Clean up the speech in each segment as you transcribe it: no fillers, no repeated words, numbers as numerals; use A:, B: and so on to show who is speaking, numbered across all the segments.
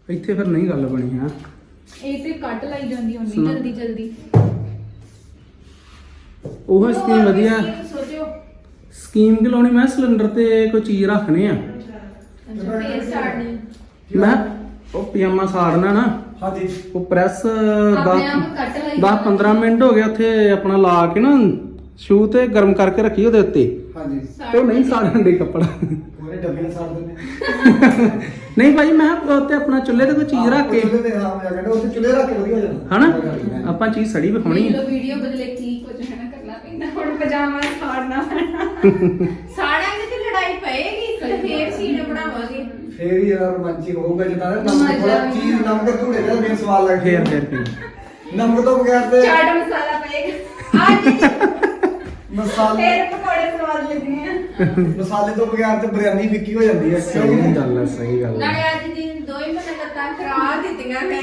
A: ਇੱਥੇ ਫਿਰ ਨਹੀਂ ਗੱਲ ਬਣੀ ਹੈ।
B: ਇਹ ਤੇ ਕੱਟ ਲਾਈ ਜਾਂਦੀ ਹੁੰਦੀ ਜਲਦੀ ਜਲਦੀ।
A: ਉਹ ਸਕੀਮ ਵਧੀਆ।
B: ਸੋਚਿਓ
A: ਸਕੀਮ ਕਿ ਲਾਉਣੀ, ਮੈਂ ਸਿਲੰਡਰ ਤੇ ਕੋਈ ਚੀਜ਼ ਰੱਖਣੀ ਆ।
B: ਫੇਰ ਸਟਾਰਟ ਨਹੀਂ
A: ਮੈਂ ਉਹ ਪਜਾਮਾ ਸਾੜਨਾ ਨਾ।
C: ਹਾਂਜੀ
A: ਉਹ ਪ੍ਰੈਸ
B: ਆਪਣੇ ਆਪ ਕੱਟ ਲਾਈ
A: 10-15 ਮਿੰਟ ਹੋ ਗਏ ਉੱਥੇ ਆਪਣਾ ਲਾ ਕੇ ਨਾ ਸ਼ੂ ਤੇ ਗਰਮ ਕਰਕੇ ਰੱਖੀ ਉਹਦੇ ਉੱਤੇ,
C: ਹਾਂਜੀ
A: ਤੇ ਉਹ ਨਹੀਂ ਸਾੜਨ ਦੇ ਕੱਪੜਾ।
C: ਪੂਰੇ ਡੱਬੇ ਨਾਲ ਸਾੜ ਦਿੰਦੇ
A: ਨਹੀਂ ਭਾਈ ਮੈਂ ਉੱਤੇ ਆਪਣਾ ਚੁੱਲ੍ਹੇ ਤੇ ਕੋਈ ਚੀਜ਼ ਰੱਖ ਕੇ,
C: ਚੁੱਲ੍ਹੇ ਤੇ ਹਾਂ ਮੈਂ ਕਹਿੰਦਾ ਉੱਥੇ ਚੁੱਲ੍ਹੇ ਰੱਖ ਕੇ ਵਧੀਆ ਹੋ ਜਾਣਾ
A: ਹਨਾ ਆਪਾਂ ਚੀਜ਼ ਸੜੀ ਵਿਖਾਉਣੀ ਆ।
B: ਵੀਡੀਓ ਬਦਲੇ ਕੀ ਕੁਝ ਹੈ ਨਾ ਕਰਨਾ ਪੈਂਦਾ। ਹੁਣ ਪਜਾਮਾ ਸਾੜਨਾ ਪੈਣਾ। ਸਾੜਾਂਗੇ ਤੇ ਲੜਾਈ ਪਏਗੀ, ਫੇਰ ਸੀਨ ਬਣਾਵਾਂਗੇ।
C: ਫੇਰ ਹੀ ਯਾਰ ਰੋਮਾਂਚਿਕ ਹੋਊਗਾ ਜਿੱਦਾਂ ਨਾ ਨਮਕ ਥੋੜਾ ਚੀਜ਼ ਨਮਕ ਧੂੜੇ ਦਾ ਮੇਨ ਸਵਾਲ ਲੱਗ
A: ਫੇਰ ਕੀ
C: ਨਮਕ ਤੋਂ ਬਗੈਰ ਤੇ
B: ਚਾਟ ਮਸਾਲਾ ਪਏਗਾ ਅੱਜ।
C: ਮਸਾਲੇ
B: ਫੇਰ ਪਕੌੜੇ ਸਵਾਦ ਲੱਗਣੇ ਆ।
C: ਮਸਾਲੇ ਤੋਂ ਬਗੈਰ ਤੇ ਬਿਰਿਆਨੀ ਫਿੱਕੀ ਹੋ ਜਾਂਦੀ ਹੈ।
A: ਸਹੀ ਗੱਲ ਹੈ, ਸਹੀ ਗੱਲ ਹੈ।
B: ਨਾਲੇ ਅੱਜ ਦਿਨ ਦੋ ਹੀ ਮਹੀਨੇ ਲੱਤਾਂ ਕਰਾ ਦਿੱਤੀਆਂ ਮੈਂ।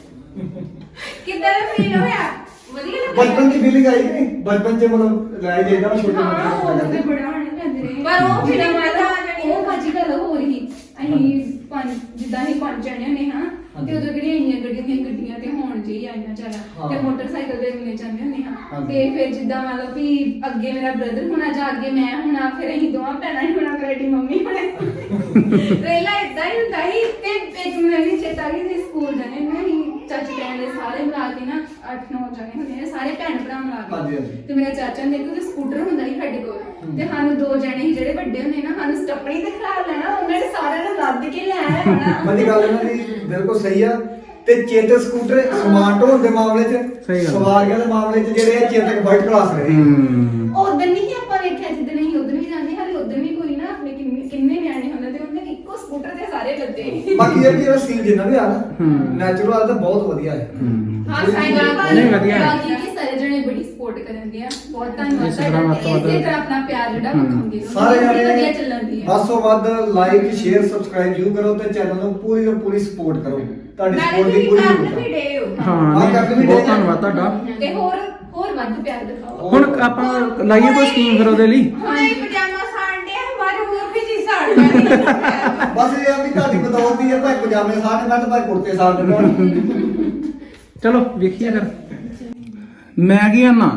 B: ਕਿੱਦਾਂ ਦਾ ਫੀਲ ਹੋਇਆ? ਵਧੀਆ ਲੱਗਾ?
C: ਬਚਪਨ ਦੀ ਫੀਲਿੰਗ ਆਈ ਕਿ ਨਹੀਂ? ਬਚਪਨ ਚ ਮਤਲਬ ਲੈ ਜਾਈਦਾ ਨਾ ਛੋਟੇ
B: ਹਾਂ, ਉਹ ਤੇ
C: ਬੱਚੇ
B: ਬੜਾ ਹੋਣੇ ਪੈਂਦੇ ਨੇ। ਪਰ ਉਹ ਫਿਰ ਮਾਤਾ ਉਹ ਭਾਜੀ ਗੱਲ ਹੋ ਰਹੀ। ਅਸੀਂ ਪੰਜ ਜਿੱਦਾਂ ਅਸੀਂ ਪੰਜ ਜਣੇ ਹੁੰਦੇ ਹਾਂ ਤੇ ਉਦੋਂ ਕਿਹੜੀਆਂ ਇੰਨੀਆਂ ਗੱਡੀਆਂ ਤੇ ਹੋਣ ਜੀ ਆਈਆਂ ਜ਼ਿਆਦਾ ਤੇ ਮੋਟਰਸਾਈਕਲ ਤੇ ਮਿਲੇ ਜਾਂਦੇ ਹੁੰਦੇ ਹਾਂ। ਤੇ ਫਿਰ ਜਿੱਦਾਂ ਮਤਲਬ ਵੀ ਅੱਗੇ ਮੇਰਾ ਬ੍ਰਦਰ ਹੋਣਾ ਜਾਂ ਅੱਗੇ ਮੈਂ ਹੋਣਾ, ਫਿਰ ਅਸੀਂ ਦੋਵਾਂ ਭੈਣਾਂ ਹੀ ਹੋਣਾ, ਫਿਰ ਸਾਡੀ ਮੰਮੀ ਹੋਣੇ। ਪਹਿਲਾਂ ਇਦਾਂ ਹੀ ਹੁੰਦਾ ਸੀ। ਤੇ ਇੱਕ ਮੈਨੂੰ ਚੇਤਾ ਕਿ ਅਸੀਂ ਸਕੂਲ ਜਾਣੇ ਨਾ, ਅਸੀਂ ਚਾਚੀ ਭੈਣ ਦੇ ਸਾਰੇ ਮਿਲਾ ਕੇ ਨਾ 8-9 ਜਣੇ ਹੁੰਦੇ ਨੇ, ਸਾਰੇ ਭੈਣ ਭਰਾ ਮਿਲਾ ਕੇ। ਤੇ ਮੇਰਾ ਚਾਚਾ ਨੇ ਇੱਕ ਸਕੂਟਰ ਹੁੰਦਾ ਸੀ ਸਾਡੇ ਕੋਲ, ਤੇ ਸਾਨੂੰ ਦੋ ਜਣੇ ਸੀ ਜਿਹੜੇ ਵੱਡੇ ਹੁੰਦੇ ਨਾ, ਸਾਨੂੰ ਸਟੱਪਣੀ ਤੇ ਖਿਲਾ ਲੈਣਾ, ਉਹਨਾਂ ਨੇ ਸਾਰਿਆਂ ਨੂੰ ਲੱਦ ਕੇ ਲੈ ਆਉਣਾ।
C: ਮੱਦੀ ਗੱਲ ਇਹਨਾਂ ਦੀ ਬਿਲਕੁਲ ਸਹੀ ਆ। ਤੇ ਚੇਤਕ ਸਕੂਟਰ ਸਮਾਰਟ ਹੋਣ ਦੇ ਮਾਮਲੇ 'ਚ, ਸਵਾਰੀਆਂ ਦੇ ਮਾਮਲੇ 'ਚ ਜਿਹੜੇ ਆ ਚੇਤਕ ਫਰਸਟ ਕਲਾਸ ਰਹੇ।
B: ਉਦੋਂ ਨਹੀਂ ਆਪਾਂ ਵੇਖਿਆ ਜਿੱਦਣ ਅਸੀਂ ਉਦੋਂ ਵੀ ਜਾਂਦੇ, ਹਾਲੇ ਉਦੋਂ ਵੀ ਕੋਈ ਨਾ ਆਪਣੇ ਕਿੰਨੇ ਨਿਆਣੇ ਹੁੰਦੇ ਤੇ ਉਹਨੇ ਇੱਕੋ ਸਕੂਟਰ ਤੇ ਸਾਰੇ ਲੱਦੇ।
C: ਬਾਕੀ ਇਹ ਵੀ ਜਿਹੜਾ ਸੀਨ ਜਿੰਨਾ ਵੀ ਆ ਨਾ ਨੈਚੁਰਲ ਆ ਤਾਂ ਬਹੁਤ ਵਧੀਆ ਹੈ।
B: ਹਾਂ ਸਾਈਕਲ
A: ਨਹੀਂ ਵਧੀਆ ਹੈ।
B: ਬਾਕੀ ਕਿ ਸਾਰੇ ਜਣੇ ਬੜੀ ਸਪੋਰਟ ਕਰਦੇ ਆ। ਬਹੁਤ ਧੰਨਵਾਦ
A: ਇਸੇ ਤਰ੍ਹਾਂ ਵੱਧ ਤੋਂ ਵੱਧ
B: ਇਸੇ ਤਰ੍ਹਾਂ ਆਪਣਾ ਪਿਆਰ ਜਿਹੜਾ ਵਿਖਾਉਂਗੇ
C: ਸਾਰੇ
B: ਵਧੀਆ
C: ਜਣੇ
B: ਚੱਲਣ ਦੀ ਹੈ।
C: ਵੱਧ ਤੋਂ ਵੱਧ ਲਾਈਕ ਸ਼ੇਅਰ ਸਬਸਕ੍ਰਾਈਬ ਜ਼ਰੂਰ ਕਰੋ ਤੇ ਚੈਨਲ ਨੂੰ ਪੂਰੀ ਤੋਂ ਪੂਰੀ ਸਪੋਰਟ ਕਰੋ। ਤੁਹਾਡੀ ਸਪੋਰਟ ਦੀ ਪੂਰੀ ਜ਼ਰੂਰਤ ਹੈ।
A: ਹਾਂ ਨਹੀਂ, ਬਹੁਤ ਧੰਨਵਾਦ ਤੁਹਾਡਾ।
B: ਤੇ ਹੋਰ ਵੱਧ ਪਿਆਰ ਦਿਖਾਓ।
A: ਹੁਣ ਆਪਾਂ ਲਾਈਏ ਕੋਈ ਸਕੀਮ ਫਿਰ ਉਹਦੇ ਲਈ।
B: ਹੁਣ ਇਹ ਪਜਾਮਾ ਸਾੜਦੇ ਆ, ਹਮਾਰੇ ਹੋਰ ਵੀ ਚੀਜ਼ ਸਾੜ ਲੈਣੀ।
C: ਬਸ ਇਹ ਆ ਵੀ ਤੁਹਾਡੀ ਬਦੌਲਤ ਹੀ ਆ, ਭਾਈ ਪਜਾਮੇ ਸਾੜ ਦੇ ਭਾਈ ਕੁੜਤੇ ਸਾੜ ਦੇ।
A: ਚਲੋ ਵੇਖੀਏ ਫਿਰ। ਮੈਂ ਕੀ ਆਨਾ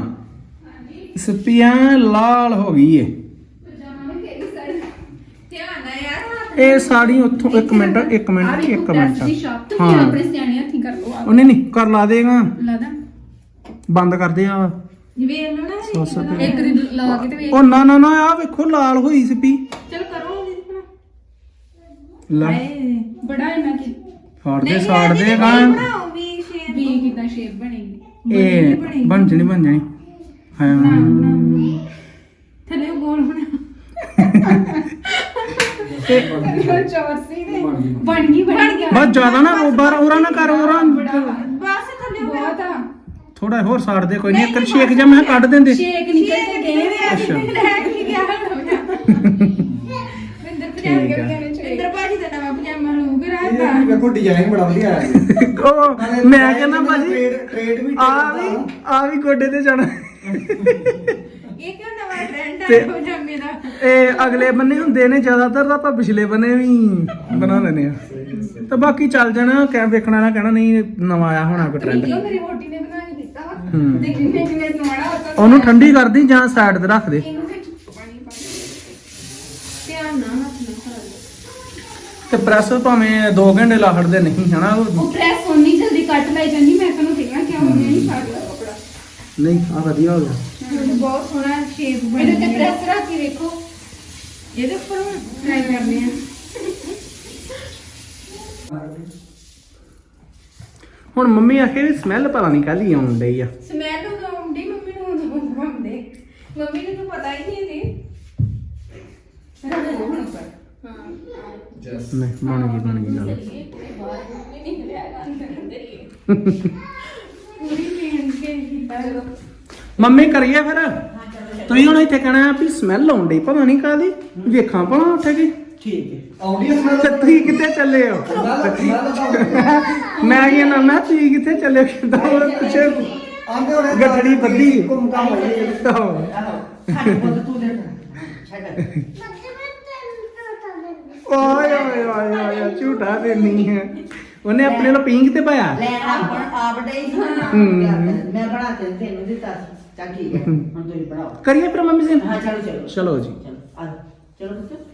A: ਸਪੀਆਂ ਲਾਲ ਹੋ ਗਈ ਏ।
B: ਪਜਾਮਾ ਵੀ ਕਿਹੜੀ ਸਾੜ ਧਿਆਨ ਨਾਲ ਯਾਰ ਹੁਣ
A: ਇਹ ਸਾੜੀ ਉੱਥੋਂ ਇੱਕ ਮਿੰਟ
B: ਦੀ ਸ਼ਾਪ ਤੋਂ
A: ਹਾਂ।
B: ਆਪਣੇ ਸਿਆਣੇ ਹੱਥੀ ਕਰ ਲਓ।
A: ਉਹਨੇ ਨਹੀਂ ਕਰ ਲਾ ਦੇਗਾ,
B: ਲਾਦਾ
A: ਬੰਦ ਕਰ ਦੇ ਆ।
B: ਵੇਖ ਲਓ ਨਾ,
A: ਸੌ ਰੁਪਏ।
B: ਇੱਕ ਦੀ ਲਾ ਕੇ ਤੇ ਵੇਖ।
A: ਉਹ ਨਾ ਨਾ ਨਾ ਆ ਵੇਖੋ ਲਾਲ ਹੋਈ ਸਪੀ।
B: ਚਲ ਕਰੋ
A: ਲੈ
B: ਬੜਾ ਇਹਨਾਂ ਕੀ
A: ਫਾੜਦੇ ਸਾੜਦੇ ਗਾ।
B: ਬਣਾਓ ਵੀ ਸ਼ੇਪ ਵੀ ਕਿਦਾਂ ਸ਼ੇਪ ਬਣੇਗੀ।
A: ਇਹ ਬਣ ਜਣੀ ਹਾਂ।
B: ਥੱਲੇ ਗੋਲ ਬਣਾ ਚੌਰਸੀ ਦੇ ਬਣ ਗਈ
A: ਬਸ ਜ਼ਿਆਦਾ ਨਾ ਰੋਬਰ ਉਹਰਾ ਨਾ ਕਰ ਉਹਰਾ
B: ਬਸ ਥੱਲੇ ਬਹੁਤ ਆ।
A: ਥੋੜਾ ਹੋਰ ਸਾੜ ਦੇ, ਕੋਈ ਨਹੀਂ ਇੱਕ ਸ਼ੇਕ ਜਾਂ ਮੈਂ ਕੱਢ ਦਿੰਦੇ।
B: ਸ਼ੇਕ ਨਿਕਲ ਕੇ ਗਏ ਵੇ
A: ਅੱਛਾ।
B: ਲੈ ਕੇ ਗਿਆ ਇੰਦਰ ਭਾਜੀ ਦਾ ਨਵਾਂ ਪਜਾਮਾ ਲੂਗ ਰਾਤਾ।
C: ਇਹ ਵੇਖੋ ਡਿਜ਼ਾਈਨ ਬੜਾ ਵਧੀਆ ਆਇਆ।
A: ਉਹ ਮੈਂ ਕਹਿੰਦਾ ਭਾਜੀ
C: ਟ੍ਰੇਡ ਵੀ
A: ਆ ਵੀ ਗੋਡੇ ਤੇ ਜਾਣਾ।
B: ਇਹ ਕਿਉਂ ਨਵਾਂ ਟ੍ਰੈਂਡ
A: ਤੇ-
B: ਆ ਪਜਾਮੇ ਦਾ?
A: ਇਹ ਅਗਲੇ ਬੰਨੇ ਹੁੰਦੇ ਨੇ ਜ਼ਿਆਦਾਤਰ ਤਾਂ ਆਪਾਂ ਪਿਛਲੇ ਬੰਨੇ ਵੀ ਬਣਾ ਲੈਨੇ ਆ। ਤੇ ਬਾਕੀ ਚੱਲ ਜਾਣਾ, ਕਹਿ ਵੇਖਣਾ ਨਾ ਕਹਿਣਾ ਨਹੀਂ ਨਵਾਂ ਆਇਆ ਹੋਣਾ ਕੋਈ ਟ੍ਰੈਂਡ।
B: ਮੇਰੀ ਵੋਟੀ ਨੇ ਬਣਾ ਕੇ ਦਿੱਤਾ ਵਾ ਤੇ ਕਿੰਨੇ ਕਿੰਨੇ ਸਮਾਣਾ
A: ਉਹਨੂੰ ਠੰਡੀ ਕਰਦੀ ਜਾਂ ਸਾਈਡ ਤੇ ਰੱਖ ਦੇ।
B: ਇਹਨੂੰ ਵਿੱਚ ਪਾਣੀ ਪਾ ਧਿਆਨ ਨਾਲ ਹੱਥ ਨਾਲ ਸਾੜ ਲਓ।
A: ਤੇ ਪ੍ਰੈਸ ਭਾਵੇਂ 2 ਘੰਟੇ ਲਾ ਖੜਦੇ ਨਹੀਂ ਹਨਾ।
B: ਉਹ ਪ੍ਰੈਸ ਹੋਣੀ ਜਲਦੀ ਕੱਟ ਲਾਈ ਜਾਂਦੀ। ਮੈਂ ਤੁਹਾਨੂੰ ਕਿਹਾ ਕਿ ਉਹ ਨਹੀਂ ਛੱਡ ਲਾ ਕਪੜਾ।
A: ਨਹੀਂ ਆ ਵਧੀਆ ਹੋ ਗਿਆ।
B: ਬਹੁਤ ਸੋਹਣਾ ਸ਼ੇਪ ਬਣਿਆ। ਇਹਦੇ ਤੇ ਪ੍ਰੈਸ ਰੱਖ ਕੇ ਵੇਖੋ। ਇਹਦੇ ਉੱਪਰ ਟਰਾਈ ਕਰਨੇ ਆ।
A: ਹੁਣ ਮੰਮੀ ਆਖੇ ਵੀ ਸਮੈਲ ਪਤਾ ਨਹੀਂ ਕਾਹਦੀ ਆਉਣ ਡਈ ਆ।
B: ਸਮੈਲ ਆਉਂਦੀ ਮੰਮੀ ਨੂੰ ਆਉਂਦੇ। ਮੰਮੀ ਨੂੰ ਤਾਂ ਪਤਾ ਹੀ ਨਹੀਂ ਇਹਦੀ। ਹਾਂ
A: ਨਹੀਂ ਬਣ ਗਈ ਗੱਲ। ਮੰਮੀ ਕਰੀਏ ਫਿਰ। ਤੁਸੀਂ ਹੁਣ ਇੱਥੇ ਕਹਿਣਾ ਵੀ ਸਮੈਲ ਆਉਣ ਡਈ ਪਤਾ ਨਹੀਂ ਕਾਹਦੀ, ਵੇਖਾਂ ਭਲਾ ਉੱਠ ਕੇ।
C: ਠੀਕ ਹੈ ਆਉਂਦੀ ਹੈ ਸਮੈਲ।
A: ਤੇ ਤੁਸੀਂ ਕਿੱਥੇ ਚੱਲੇ ਹੋ? ਮੈਂ ਕੀ ਨਾ ਮੈਂ ਤੁਸੀਂ ਕਿੱਥੇ ਚੱਲੇ ਹੋ? ਕਿੱਦਾਂ ਉਹ ਕੁਛ
C: ਆਂਦੇ ਹੋਣੇ
A: ਗੱਠੜੀ ਬੱਧੀ।
C: ਘੁੰਮ ਘਾਮ ਹੋਈ।
A: ਓਏ ਓਏ ਓਏ ਓਏ ਝੂਠਾ ਤੇ ਨਹੀਂ ਹੈ। ਉਹਨੇ ਆਪਣੇ ਨੂੰ ਪਿੰਕ ਤੇ ਪਾਇਆ
D: ਲੈਣ ਆਪ ਡੇ ਮੈਂ ਬਣਾ ਕੇ ਤੈਨੂੰ ਦਿੱਤਾ ਚੱਲ ਠੀਕ ਹੈ ਹੁਣ ਤੁਸੀਂ ਬਣਾਓ
A: ਕਰੀਏ ਫਿਰ ਮੰਮੀ ਜੀ
D: ਹਾਂ ਚਲੋ ਚਲੋ
A: ਚਲੋ ਜੀ
D: ਚਲੋ ਆ ਚਲੋ ਪੁੱਤ